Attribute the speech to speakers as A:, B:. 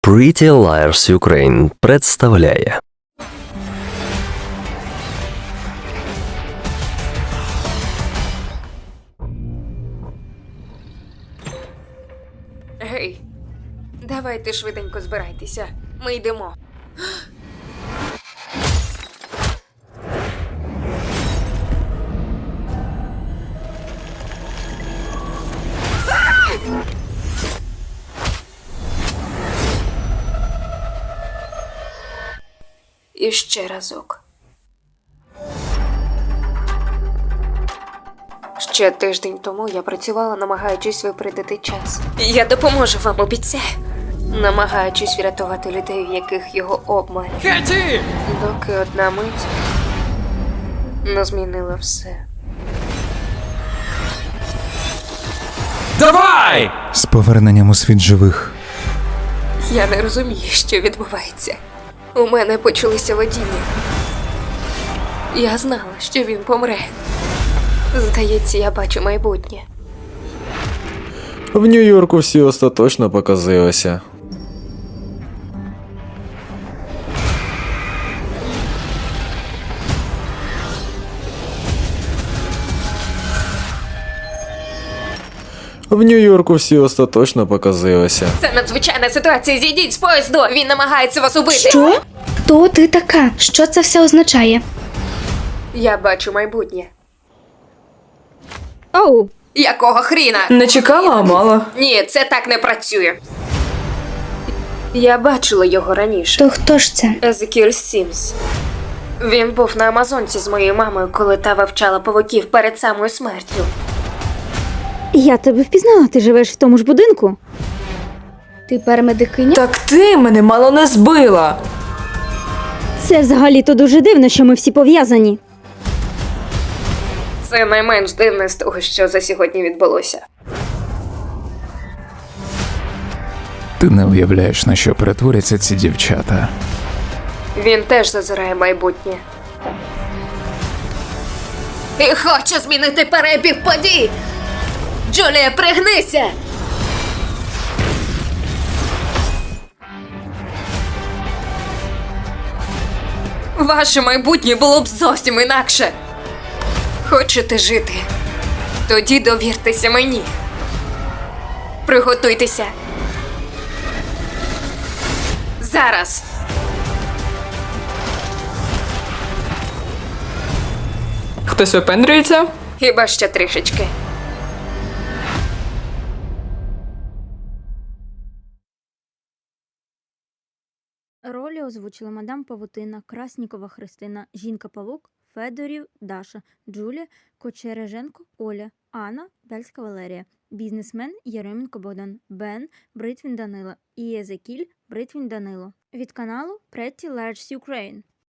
A: Pretty Liars Ukraine представляє.
B: Гей, давайте швиденько збирайтеся. Ми йдемо. І ще разок. Ще тиждень тому я працювала, намагаючись випередити час. Я допоможу вам, обіцяю. Намагаючись врятувати людей, в яких його обмаль.
C: Кеті!
B: Доки одна мить не змінила все.
C: Давай!
D: З поверненням у світ живих.
B: Я не розумію, що відбувається. У мене почалися видіння. Я знала, що він помре. Здається, я бачу майбутнє.
E: В Нью-Йорку всі остаточно показилися. В Нью-Йорку всі остаточно показилися.
B: Це надзвичайна ситуація. Зійдіть з поїзду. Він намагається вас убити.
F: Що? Хто ти така? Що це все означає?
B: Я бачу майбутнє.
F: Оу,
B: Якого хріна?
G: Не чекала, а мала.
B: Ні, це так не працює. Я бачила його раніше.
F: то хто ж це?
B: Езекіль Сімс. Він був на Амазонці з моєю мамою, коли та вивчала павуків перед самою смертю.
H: Я тебе впізнала, ти живеш в тому ж будинку.
F: Ти парамедикиня?
G: Так ти мене мало не збила.
H: Це взагалі-то дуже дивно, що ми всі пов'язані.
B: Це найменш дивне з того, що за сьогодні відбулося.
D: Ти не уявляєш, на що перетворяться ці дівчата.
B: Він теж зазирає майбутнє. І хоче змінити перебіг подій! Джулія, пригнися! Ваше майбутнє було б зовсім інакше. Хочете жити? Тоді довіртеся мені. Приготуйтеся. Зараз.
G: Хтось випендрюється?
B: Хіба ще трішечки.
H: Ролі озвучили мадам Павутина, Краснікова Христина, Жінка-Павук, Федорів Даша, Джулія, Кочереженко Оля, Анна Бельська Валерія, бізнесмен Єременко Богдан, Бен Бритвін Данила і Езекіль Бритвін Данило. Від каналу Pretty Liars Ukraine.